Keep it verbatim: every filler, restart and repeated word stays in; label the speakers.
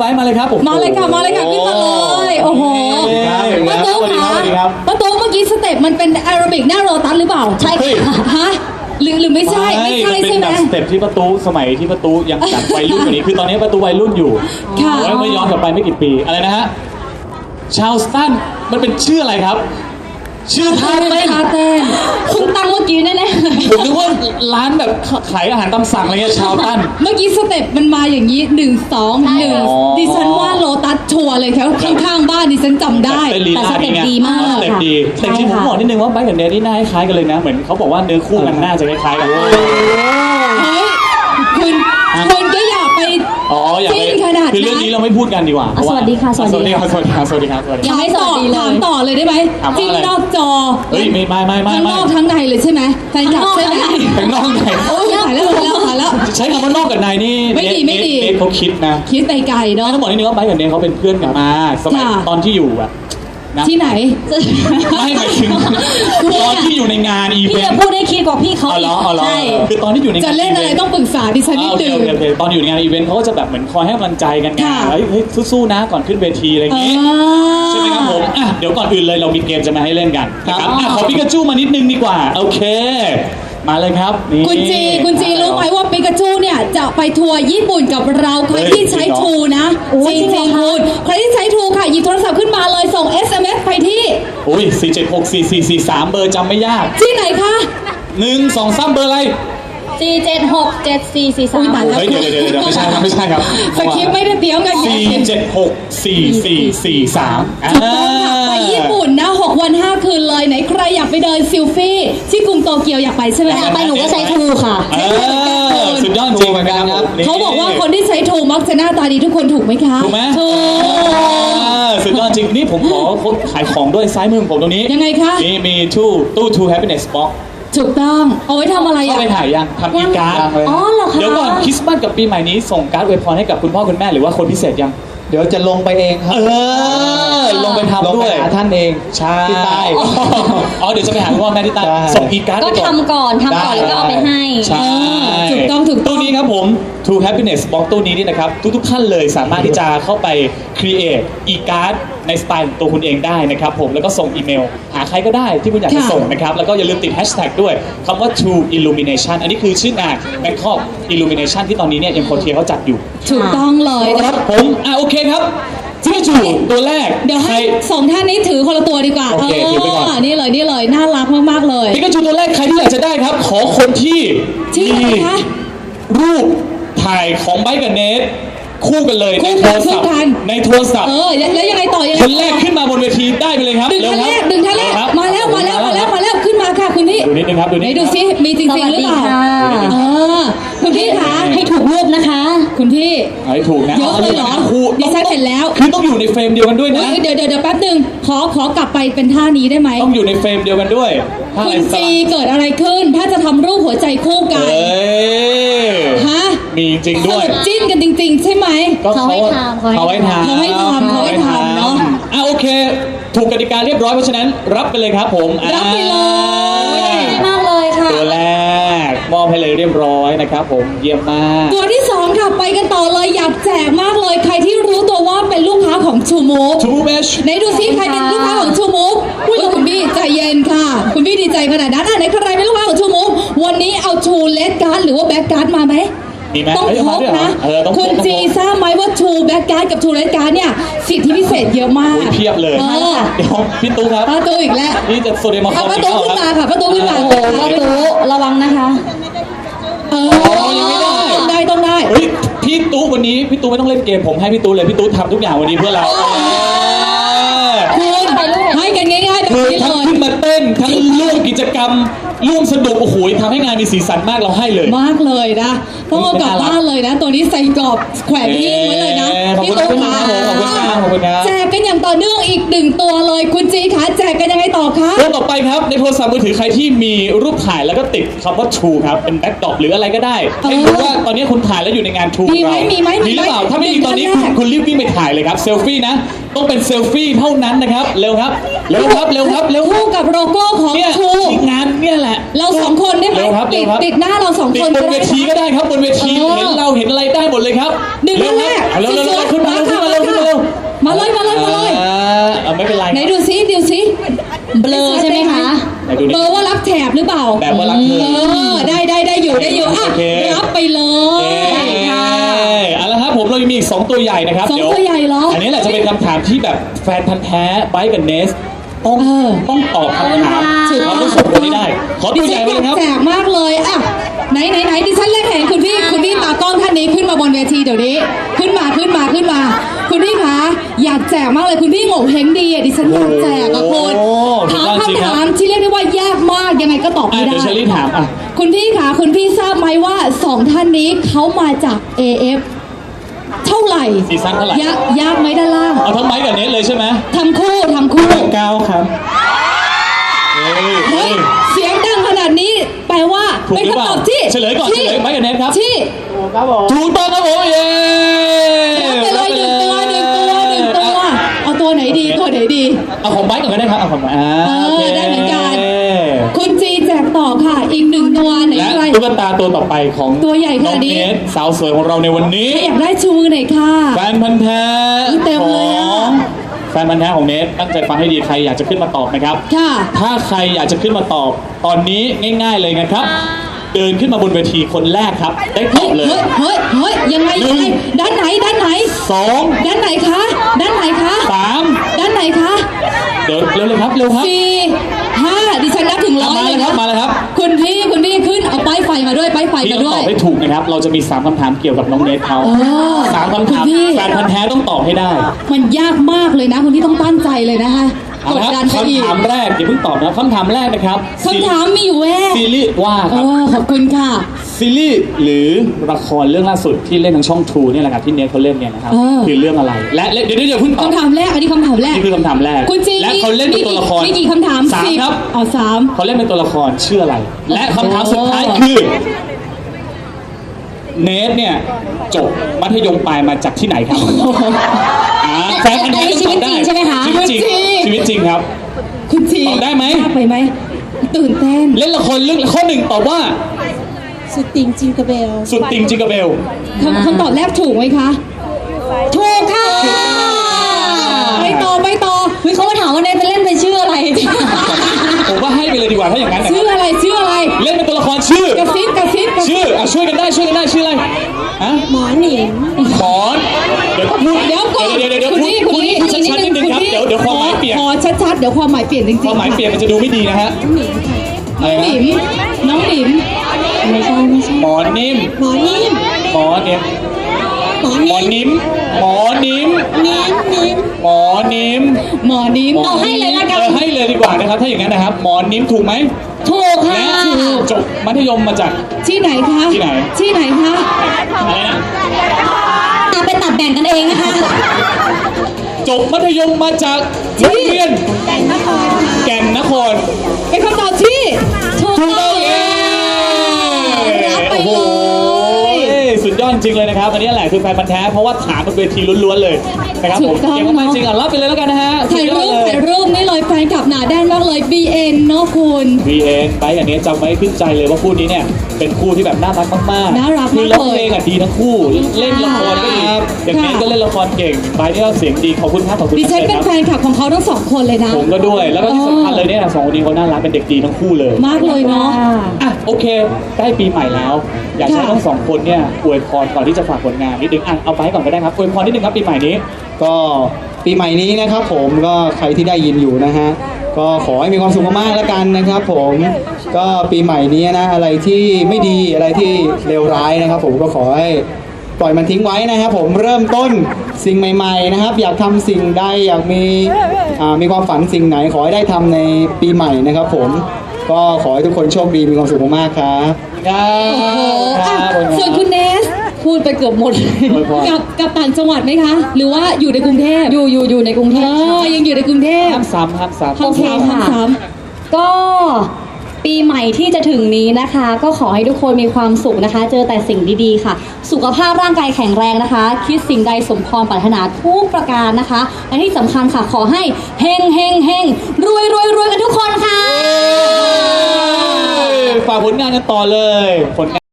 Speaker 1: ไบร์ทมาเลยครับผม
Speaker 2: มาเลยค่ะมาเลยค่ะขึ้นมาเลยโอ้โหป้าตุ๊กค่ะป้าตุ๊กเมื่อกี้สเต็ปมันเป็นแอโรบิกหน้าโรตัสหรือเปล่าใช่ค่ะฮะหรือหรือไม่ใช่ไม่ใช่ใช่ไหม
Speaker 1: สเต็ปที่ประตูสมัยที่ประตูยังแบบวัยรุ่นกว่านี้คือตอนนี้ประตูวัยรุ่นอยู่ค่ะแล้วไม่ย้อนกลับไปไม่กี่ปีอะไรนะฮะชาลสตันมันเป็นชื่ออะไรครับชื่อท่าเต้น
Speaker 2: ท่าเต้นคุณตังเมื่อกี้แน่
Speaker 1: ๆผมนึกว่าร้านแบบขายอาหารตามสั่งอะไรเงี้ยชาลตัน
Speaker 2: เมื่อกี้สเต็ปมันมาอย่างนี้หนึ่งสองหนึ่งดิฉันว่าโลตัสชัวร์เลยแถวข้างๆบ้านดิฉันจำได้
Speaker 1: แต่สเต็ป
Speaker 2: ดีมาก
Speaker 1: สเต็ปดีแต่จริงผมบอกนิดนึงว่าไบร์ทกับเนทนี่หน้าคล้ายกันเลยนะเหมือนเขาบอกว่าเนื้อคู่กันน่าจะคล้ายๆกัน
Speaker 2: เฮ้ยคุณคุณก็อยากไป
Speaker 1: อ๋ออยากไปคือเรื่องนี้เราไม่พูดกันดีกว่า
Speaker 3: สวัสดีค่ะสวัสดี
Speaker 1: ค่ะสวัสดีค่ะสวัสดีค่ะสวัสดีค่ะ
Speaker 2: ยังไม่สวัสดีเลยถามต่อเลยได้ไหมที่นอกจอ
Speaker 1: เฮ้ยไม่ไม่ไม่ไม่
Speaker 2: ทั้งนอกทั้งในเลยใช่ไหมแฟนคลับใช่ไหม
Speaker 1: ทั้งนอกใน
Speaker 2: โอ้ยถ่ายแล้วถ่ายแล้วถ่ายแล้ว
Speaker 1: ใช้คำว่านอกกับในนี่
Speaker 2: ไม่ดีไม่ดี
Speaker 1: เขาคิดนะ
Speaker 2: คิดไปไกลเนาะ
Speaker 1: ต้องบอกนิดนึงว่าไบร์ทกับเนทเขาเป็นเพื่อนกันมาสมัยตอนที่อยู่อะ
Speaker 2: ที่ไหน
Speaker 1: ไม่หมายถึงตอนที่อยู่ในงานอีเวนต์
Speaker 3: พี่จะพูดให้คิดกว่าพี่เขา
Speaker 1: อ๋อเหรออ๋อเหรอคือตอนที่อยู่ใน
Speaker 2: จะเล่นอะไรต้องปรึกษาดิฉันนิดนึง
Speaker 1: ตอนอยู่ในงานอีเวนต์เขาก็จะแบบเหมือนคอยให้กำลังใจกันไงเฮ้ยสู้ๆนะก่อนขึ้นเวทีอะไรอย่างงี้ใช่ไหมครับผมอ่ะเดี๋ยวก่อนอื่นเลยเรามีเกมจะมาให้เล่นกันนะครับอ่ะขอปิกาจูมานิดนึงดีกว่าโอเคมาเลยครับ
Speaker 2: คุณจีคุณจีรู้ไหมว่าปิกาจูเนี่ยจะไปทัวร์ญี่ปุ่นกับเราใครที่ใช้ทูนะจริงจริงคุณใครที่ใช้ทูค่ะหยิบโทรศัพท์ขึ้นมาเลยส่ง เอส เอ็ม เอส ไปที่
Speaker 1: โอ้ยสี่เจ็ดหกสี่สี่สี่สามเบอร์จำไม่ยาก
Speaker 2: ที่ไหนคะ
Speaker 1: หนึ่งสองสามเบอร์อะไร
Speaker 3: สี่เจ็ดหกเจ็ดสี่สี่สาม
Speaker 1: เฮ้ยเดี๋ยวเดี๋ยวเดี๋ยวไม่ใช่ครับไม่ใช่ครับ
Speaker 2: สคริปต์ไม่ได้เตรียมกัน
Speaker 1: สี่เจ็ดหกสี่สี่สี่สาม
Speaker 2: ถูกต้องค่ะไปญี่ปุ่นนะหกวันห้าคืนเลยไหนใครอยากไปเดินซิลฟี่ที่กรุงโตเกียวอยากไปใช่ไหม
Speaker 3: อยากไปหนูก็ใช้ทูค่ะ
Speaker 1: สุดยอดจริงเหมือนกันครับ
Speaker 2: เขาบอกว่าคนที่ใช้ทูมักจะหน้าตาดีทุกคนถูกไหมคะ
Speaker 1: ถูกไหม
Speaker 2: ถูก
Speaker 1: สุดยอดจริงนี่ผมขอขายของด้วยซ้ายมือผมตรงนี้
Speaker 2: ยังไงคะ
Speaker 1: นี่มีตู้ตู้ True Happiness Box
Speaker 2: ถูกต้องเอาไว้ทำอะไรอ่ะ
Speaker 1: เข้าไปถ่ายยังทำอีการ์ด
Speaker 3: อ๋อเหรอคะ
Speaker 1: เดี๋ยวก่อนคริสต์มาสกับปีใหม่นี้ส่งการ์ดอวยพรให้กับคุณพ่อคุณแม่หรือว่าคนพิเศษยัง
Speaker 4: เดี๋ยวจะลงไปเองครับ
Speaker 1: เออลงไปทำด้วย
Speaker 4: หาท่านเอง
Speaker 1: ใช่
Speaker 4: ที่ใต้
Speaker 1: อ๋อเดี๋ยวจะไปหาคุณพ่อแม่ที่ใต้ส่งอีการ์ด
Speaker 3: ก็ทำก่อนทำก่อนแล้วก็เอาไปให้
Speaker 1: ใช่
Speaker 2: ถูกต้องถูกต้อง
Speaker 1: ตู้นี้ครับผม True Happiness Box ตู้นี้นี่นะครับทุกๆท่านเลยสามารถที่จะเข้าไป create อีการ์ดในสไตล์ตัวคุณเองได้นะครับผมแล้วก็ส่งอีเมลหาใครก็ได้ที่คุณอยากจะส่งนะครับแล้วก็อย่าลืมติดแฮชแท็กด้วยคำว่า True Illumination อันนี้คือชื่องาน Bangkok Illumination ที่ตอนนี้เนี่ยยังโคเทียเขาจัดอยู่
Speaker 2: ถูกต้องเลย
Speaker 1: ครับผมอ่ะโอเคครับจิกาจูตัวแรก
Speaker 2: เดี๋ยวให้สองท่านนี้ถือคนละตัวดีกว่า
Speaker 1: โอเคถือไปก่อน
Speaker 2: นี่เลยนี่เลยน่ารักมากๆเลย
Speaker 1: จิกาจูตัวแรกใครที่อยากจะได้ครับขอคนที่
Speaker 2: มี
Speaker 1: รูปถ่ายของไบค์กับเนทคู่กันเลยในโทรศัพท์ในโทรศัพท์
Speaker 2: เออแล้วยังไงต่อยังไง
Speaker 1: คนแรกขึ้นมาบนเวทีได้ไปเลยครับ
Speaker 2: ดึงท่านแรกดึงท่านแรกมาแล้วมาแล้วมาแล้วมาแล้วขึ้นมาค่ะคุณพี่
Speaker 1: ดูนิดนึงครับดูนิด
Speaker 2: ดูซิมีจริงๆหรือเปล่าเออคุณพี่คะ
Speaker 3: ให้ถูกรูปนะคะ
Speaker 2: คุณพี่
Speaker 1: ให้ถูกนะ
Speaker 2: เยอะเลยเหรอดิฉันเห็นแล้ว
Speaker 1: คือต้องอยู่ในเฟรมเดียวกันด้วยนะ
Speaker 2: เดี๋ยวเดี๋ยวเดี๋ยวแป๊บนึงขอขอกลับไปเป็นท่านี้ได้ไหม
Speaker 1: ต้องอยู่ในเฟรมเดียวกันด้วย
Speaker 2: คุณจีเกิดอะไรขึ้นถ้าจะทำรูปหัวใจคู่กันฮะ
Speaker 1: มีจริงด้วย
Speaker 2: จิ้นกันจริงๆใช่ไหม
Speaker 3: เขาให้ทำ
Speaker 1: เขาให้ทำ
Speaker 2: เขาให้ทำเขาให้ทำเนาะ
Speaker 1: อ่ะโอเคถูกกติกาเรียบร้อยเพราะฉะนั้นรับไปเลยครับผม
Speaker 2: รับไปเลย
Speaker 3: มากเลยค่ะ
Speaker 1: ตัวแรกมอบให้เลยเรียบร้อยนะครับผมเยี่ยมมาก
Speaker 2: ตัวที่สองค่ะไปกันต่อเลยอยากแจกมากเลยใครที่รู้ตัวว่าเป็นลูกค้าของชูมูฟ
Speaker 1: ชูมูฟเอช
Speaker 2: ไหนดูซิใครเป็นลูกค้าของชูมูฟพูดกับคุณพี่ใจเย็นค่ะคุณพี่ดีใจขนาดนั้นอ่ะไหนใครเป็นลูกค้าของชูมูฟวันนี้เอาชูเลสการ์ดหรือว่าแบ็กการ์ดมาไหมต้องพกนะคุณจีทราบไหมว่าทูแบ็กการ์ดกับทูเรดการ์ดเนี่ยสิทธิพิเศษเยอะมาก
Speaker 1: เพียบเลยเดี๋ยวพี่ตู้ครับ
Speaker 2: ป้าตู้อีกแล้ว
Speaker 1: นี่จะโซเดียมมาคอม
Speaker 2: ป้าตู้ขึ้นมาค่ะป้าตู้ขึ้นมา
Speaker 3: โอ้ป้าตู้ระวังนะคะ
Speaker 2: เออยังไม่ได้ต้องได้ต้องได้
Speaker 1: เฮ้ยพี่ตู้วันนี้พี่ตู้ไม่ต้องเล่นเกมผมให้พี่ตู้เลยพี่ตู้ทำทุกอย่างวันนี้เพื่อเรา
Speaker 2: คุณให้กันง่ายๆแบบนี้เลย
Speaker 1: ทั้งขึ้นมาเต้นทั้งร่วมกิจกรรมร่วมสนุกโอ้โหทำให้งานมีสีสันมากเราให้เลย
Speaker 2: มากเลยนะต้องเอากลับบ้านเลยนะตัวนี้ใส่กรอบแขวนที่ไว้เลยนะ
Speaker 1: พี่ตุ๊กค่ะ
Speaker 2: แจกกันอย่างต่อเนื่องอีกหนึ่งตัวเลยคุณจีคะแจกกันยังไงต่อคะ
Speaker 1: ตัวต่อไปครับในโทรศัพท์มือถือใครที่มีรูปถ่ายแล้วก็ติดคำว่า True ครับเป็นแบ็คดรอปหรืออะไรก็ได้ให้รู้ว่าตอนนี้คุณถ่ายแล้วอยู่ในงาน True
Speaker 2: มีไหมมีไหม
Speaker 1: มีหรือเปล่าถ้าไม่มีตอนนี้คุณรีบวิ่งไปถ่ายเลยครับเซลฟี่นะต้องเป็นเซลฟี่เท่านั้นนะครับเร็วครับเร็วครับเร็วครับเร็ว
Speaker 2: คู่กับโลโก้ของ True
Speaker 1: งานเนี่ยแหละ
Speaker 2: เราสองคนได้ไหมติดติดหน้าเราสองคน
Speaker 1: บนเวทีก็ได้ครับบนเวทีเห็นเราเห็นอะไรได้หมดเลยครับ
Speaker 2: หนึ่งท่านแรก
Speaker 1: เร็วๆขึ้นมาขึ้นไม่เป็นไร
Speaker 2: ไหนดูซิดูซิ
Speaker 3: เบลอใช่ไหมคะ
Speaker 1: ไหนดูดิ
Speaker 2: เบลอว่ารับแถบหรือเปล่า
Speaker 1: แบบว่ารักเธอ
Speaker 2: เออได้ได้ได้อยู่ได้อยู่อ่ะ
Speaker 1: โอเค
Speaker 2: รับไปเล
Speaker 1: เอ้
Speaker 2: ย
Speaker 1: ยเอาละครับผมเรายังมีอีกสองตัวใหญ่นะครับ
Speaker 2: สอง
Speaker 1: เดี๋ยว
Speaker 2: ตัวใหญ่เหรออั
Speaker 1: นนี้แหละจะเป็นคำถามที่แบบแฟนพันธ์แท้ไบร์ทกับเนสต้อง
Speaker 2: เออ
Speaker 1: ต้องตอบคำถาม
Speaker 3: ขอบคุณค่ะ
Speaker 1: เราต้องส่งคนนี้ได้ ขอตัวใหญ่ไป
Speaker 2: ดิ
Speaker 1: เลยครับ
Speaker 2: ฉันอยากแจกมากเลยอ่ะไหนไหนไหนดิฉันแรกเห็นคุณพี่คุณพี่ตากล้องท่านนี้ขึ้นมาบนเวทีเดี๋ยวนี้ ขึ้นมาขึ้นมาขึ้นมา คุณพี่คะอยากแจกมากเลยคุณพี่โง่เฮงดีอ่ะดิฉันอยากแจกอะคุณ
Speaker 1: โอ้โห
Speaker 2: ถาม
Speaker 1: สุดยอดจริง
Speaker 2: คำ
Speaker 1: ครับ
Speaker 2: ถามที่เรียกได้ว่ายากมากยังไงก็ตอบ
Speaker 1: อ่ะ
Speaker 2: ไม่ได้
Speaker 1: เดี๋ยวเชอรี่ถามอ่ะ
Speaker 2: คุณพี่คะคุณพี่ทราบไหมว่าสองท่านนี้เขามาจาก เอ เอฟ เท่าไหร่
Speaker 1: ซีซั่นเท่าไหร่
Speaker 2: ยากยากไหมด้านล่าง
Speaker 1: เอาทั้งไบร์ทกับเนสเลยใช่ไหม
Speaker 2: ทำคู่ทำคู่
Speaker 4: เก้าครับ
Speaker 1: เฮ้ย
Speaker 2: เฮ้
Speaker 1: เฮ้
Speaker 2: ย
Speaker 1: ย
Speaker 2: เสียงดังขนาดนี้แปลว่า
Speaker 1: ถูก
Speaker 2: เป็น
Speaker 1: หรือเป
Speaker 2: คำ
Speaker 1: ล่า
Speaker 2: ตอบที่
Speaker 1: เฉลยก่อน
Speaker 2: ที่
Speaker 1: เฉลยไบร์ทกับเนสครับ
Speaker 2: ที่
Speaker 4: ครับผม
Speaker 1: ถูกต้องครับผมเย้
Speaker 2: รับไปเลยหนึ่งตัวหนึ่งตัวหนึ่งตัว เอาตัวไหนดีตัวไหนดี
Speaker 1: เอาของไบร์ทก่อนก็ได้ครับเอาของไบร์ทอ่า
Speaker 2: เออ
Speaker 1: โค
Speaker 2: ได้เหมือนกัน คุณจีแจกต่อค่ะ อีกหนึ่งตัวไหน
Speaker 1: และ
Speaker 2: ใคร
Speaker 1: ตุ๊กตาตัวต่อไปของ
Speaker 2: ตัวใหญ่ข
Speaker 1: น้อ
Speaker 2: นาด
Speaker 1: ง
Speaker 2: นี้
Speaker 1: เนสสาวสวยของเราในวันนี้
Speaker 2: ใครอยากได้ชูมือหน่อยค่ะ
Speaker 1: แฟนพันธ์แท้
Speaker 2: อุ๊ยเต็มเลยอะ
Speaker 1: ของแฟนพันธ์แท้ของเนสตั้งใจฟังให้ดีใครอยากจะขึ้นมาตอบนะครับ
Speaker 2: ค่ะ
Speaker 1: ถ้าใครอยากจะขึ้นมาตอบ ตอนนี้ง่าย ๆเลยนะครับ เดินขึ้นมาบนเวทีคนแรกครับ ได้ต
Speaker 2: เฮ้
Speaker 1: อย บเลย
Speaker 2: เฮ้ยเฮ้ยเฮ้ยยังไงยังไงด้านไหนด้านไหน
Speaker 1: สอง
Speaker 2: ด้านไหนคะ ด้านไหนคะ
Speaker 1: สาม
Speaker 2: ด้านไหนคะ
Speaker 1: เดี๋ยวเร็วเลยครับเร็วครับ
Speaker 2: สี่ห้าดิฉันนับถึงร้อย
Speaker 1: มา
Speaker 2: เล
Speaker 1: เลย ยค
Speaker 2: นะ
Speaker 1: รับมาเลยครับ
Speaker 2: คุณพี่คุณพี่ขึ้นเอาป้ายไฟมาด้วยป้ายไฟ
Speaker 1: ที่
Speaker 2: มา
Speaker 1: ต้อง
Speaker 2: ด้
Speaker 1: ต
Speaker 2: ว
Speaker 1: อย บให้ถูกนะครับ เราจะมีสามคำถามเกี่ยวกับน้องเนสเขา
Speaker 2: โอ้
Speaker 1: สามคำถาม
Speaker 2: คุณพี่
Speaker 1: แฟนพันธ์แท้ต้องตอบให้ได้
Speaker 2: มันยากมากเลยนะคุณพี่ต้องตั้งใจเลยนะคะก
Speaker 1: เอา
Speaker 2: ด
Speaker 1: ละ
Speaker 2: ดั
Speaker 1: คน รับ
Speaker 2: ไปอีก
Speaker 1: คำถามแรกอย่าเพิ่งตอบนะคำถามแรกนะครับ
Speaker 2: คำถามมีอยู่แว่
Speaker 1: ซีรีส์ว่าค
Speaker 2: เอ
Speaker 1: รับ
Speaker 2: อขอบคุณค่ะ
Speaker 1: ซีรีส์หรือละครเรื่องล่าสุดที่เล่นทางช่อง True เนี่ยแหละครับที่เนทเขาเล่นเนี่ยนะครับ
Speaker 2: เออ
Speaker 1: คือเรื่องอะไร และและเดี๋ยวเดี๋ยวเดี๋ยวเพิ่งตอบ
Speaker 2: คำถามแรกอันนี้คำถามแรก
Speaker 1: นี่คือคำถามแรก
Speaker 2: คุณจี
Speaker 1: และเขาเล่นเป็นตัวละคร
Speaker 2: มีกี่คำถาม
Speaker 1: สาม
Speaker 2: สิบ
Speaker 1: ครับ
Speaker 2: เอาสาม
Speaker 1: เขาเล่นเป็นตัวละครชื่ออะไร และคำถามสุดท้าย
Speaker 2: โอ้
Speaker 1: คือเนทเนี่ยจบมัธยมปลายมาจากที่ไหนครับอ่าแฟนพันธ์แท้ต้องตอบได้
Speaker 3: อันนี้ชีวิตจริงใช่ไหมคะ
Speaker 1: ชีวิตจริงชีวิตจริงครับ
Speaker 2: คุณจี
Speaker 1: ตอบได้ไหม
Speaker 2: ยากไปไหมตื่นเต้น
Speaker 1: เล่นละครเรื่องข้อหนึ่งตอบว่า
Speaker 5: สุดติงจิงกระเบล
Speaker 1: สุดติงจิงกระเบล
Speaker 2: คำคำตอบแรกถูกไหมคะ ถูกค่ะไปต่อไปต่อ
Speaker 3: เฮ้ยเขามาถามว่าเนทไปเล่นเป็นชื่ออะไร
Speaker 1: ผมว่าให้ไปเลยดีกว่าถ้าอย่างนั้นนะค
Speaker 2: ชื่อ
Speaker 1: รับ
Speaker 2: อะไรชื่ออะไร
Speaker 1: เล่นเป็นตัวละครชื่อ
Speaker 2: กระซิบกระซิบกระซิบ
Speaker 1: ชื่ออ่ะช่วยกันได้ช่วยกันได้ชื่ออะไรฮะ
Speaker 5: หมอหนิง
Speaker 1: หมอนเดี๋ยวพูด
Speaker 2: เดี๋ยวก่อน
Speaker 1: เดี๋ยวเดี๋ยวเดี๋ยว
Speaker 2: คุณ
Speaker 1: พูด
Speaker 2: นี่
Speaker 1: พู
Speaker 2: คุ
Speaker 1: ด
Speaker 2: ณนี่
Speaker 1: พูดชัดๆนิดนึงครับ
Speaker 2: คุณ
Speaker 1: เดี๋ยวเดี๋ยวความหมายเปลี่ยน
Speaker 2: ขอชัดๆเดี๋ยวความหมายเปลี่ยนจริงๆ
Speaker 1: ความหมายเปลี่ยนมันจะดูไม่ดีนะฮะ
Speaker 5: หนิงค่ะ
Speaker 1: อะไร
Speaker 2: ห
Speaker 1: นะ
Speaker 2: นิมน้องหนิม
Speaker 5: ไม่ใช่ไม่ใช่
Speaker 1: หมอนิ่ม
Speaker 5: หมอนิ่ม
Speaker 1: หมอนิ่ม
Speaker 5: หมอ
Speaker 1: หมอ
Speaker 5: นิ่ม
Speaker 1: นิ่มหมอนิ่ม
Speaker 5: นิ่มนิ่ม
Speaker 1: หมอนิ่ม
Speaker 2: หมอนิม
Speaker 3: เอาให้เลยละกัน
Speaker 1: เออให้เลยดีกว่านะครับ ถ้าอย่างนั้นนะครับ หมอนิ่มถูกไหม
Speaker 3: ถูกค่ะ
Speaker 1: และจบมัธยมมาจาก
Speaker 2: ที่ไหนคะ
Speaker 1: ที่ไหน
Speaker 2: ที่ไหนคะ
Speaker 1: อะไรนะ
Speaker 3: อ่ะไปตัดแบ่งกันเองนะคะ
Speaker 1: จบมัธยมมาจากโรงเรียนแก่นนครแก่นนคร
Speaker 2: เป็นคำตอบที่ถูก
Speaker 1: ถูก
Speaker 2: ต้
Speaker 1: ต้
Speaker 2: อ
Speaker 1: อง งเย้
Speaker 2: รับไป
Speaker 1: โอ้โห
Speaker 2: เลย
Speaker 1: สุดยอดจริงเลยนะครับ อันนี้แหละคือแฟนพันธ์แท้เพราะว่าถามบนเวทีล้วนๆเลยนะครับผม
Speaker 2: ถูกต้อง
Speaker 1: เก่งมากๆจริงอ่ะรับไปเลยแล้วกันนะฮะ
Speaker 2: ถ่ายรูป
Speaker 1: สุดอดเล
Speaker 2: ถ่ายรูปนี่เลยแฟนคลับหนาแน่นมากเลย บี เอ็น เนาะคุณ
Speaker 1: วีเอ็นไปอันนี้จำไว้ขึ้นใจเลยว่าคู่นี้เนี่ยเป็นคู่ที่แบบน่ารักมากๆ
Speaker 2: น่ารัก
Speaker 1: คือ
Speaker 2: มาก
Speaker 1: ร้อง
Speaker 2: เลย
Speaker 1: เพลงอ่ะดีทั้งคู่ เล่นละครก็ดี
Speaker 2: ค่ะ
Speaker 1: อย่างนี้ก็เล่นละครเก่งไปนี่ก็เสียงดีขอบคุณครับขอบคุณ
Speaker 2: ดิฉันเป็น
Speaker 1: ครับ
Speaker 2: แฟนคลับของเขาทั้งสองคนเลยนะ
Speaker 1: ผมก็ด้วยแล้วก็ที่สำคัญเลยเนี่ยสองคนนี้เขาน่ารักเป็นเด็กดีทั้งคู่เลย
Speaker 2: มากเลยเนาะ
Speaker 1: อ่ะโอเคใกล้ปีใหม่แล้ว อยากให้
Speaker 2: ค่ะ
Speaker 1: ทั้งสองคนเนี่ยอวยพรก่อนที่จะฝากผลงานนิดนึงอ่ะเอาไปก่อนก็ได้ครับอวยพรนิดนึงครับปีใหม่นี้
Speaker 4: ก็ปีใหม่นี้นะครับผมก็ใครที่ได้ยินอยู่นะฮะก็ขอให้มีความสุขมากๆแล้วกันนะครับผมก็ปีใหม่นี้นะอะไรที่ไม่ดีอะไรที่เลวร้ายนะครับ ผมก็ขอให้ปล่อยมันทิ้งไว้นะครับผมเริ่มต้นสิ่งใหม่ ๆนะครับ อยากทำสิ่งใดอยากมีอ่ามีความฝันสิ่งไหน ขอให้ได้ทำในปีใหม่นะครับ ผมก็ขอให้ทุกคนโชคดีมีความสุขมากๆครับ
Speaker 1: ครับ
Speaker 2: โอ้โห
Speaker 1: ค
Speaker 2: อ่ะ
Speaker 1: รับ
Speaker 2: ส่วนคุณเนส พูดไปเกือบหมดเลย
Speaker 1: อวยพร
Speaker 2: กลับกลับต่างจังหวัดไหมคะ หรือว่าอยู่ในกรุงเทพ
Speaker 3: อยู่อยู่อยู่ในกรุงเท
Speaker 2: เอ
Speaker 3: พ
Speaker 2: อยังอยู่ในกรุงเทพ
Speaker 1: ห้ามซ้ำห้ามซ้ำ
Speaker 2: ห้ามซ้ำห้ามซ้
Speaker 3: ก็ปีใหม่ที่จะถึงนี้นะคะ ก็ขอให้ทุกคนมีความสุขนะคะ เจอแต่สิ่งดีๆค่ะ สุขภาพร่างกายแข็งแรงนะคะ คิดสิ่งใดสมพรปรารถนาทุกประการนะคะและที่สำคัญค่ะขอให้เฮงเฮงเฮงรวยรวยรวยกันทุกคนค่ะ
Speaker 1: ฝากผลงานกันต่อเลยผลงาน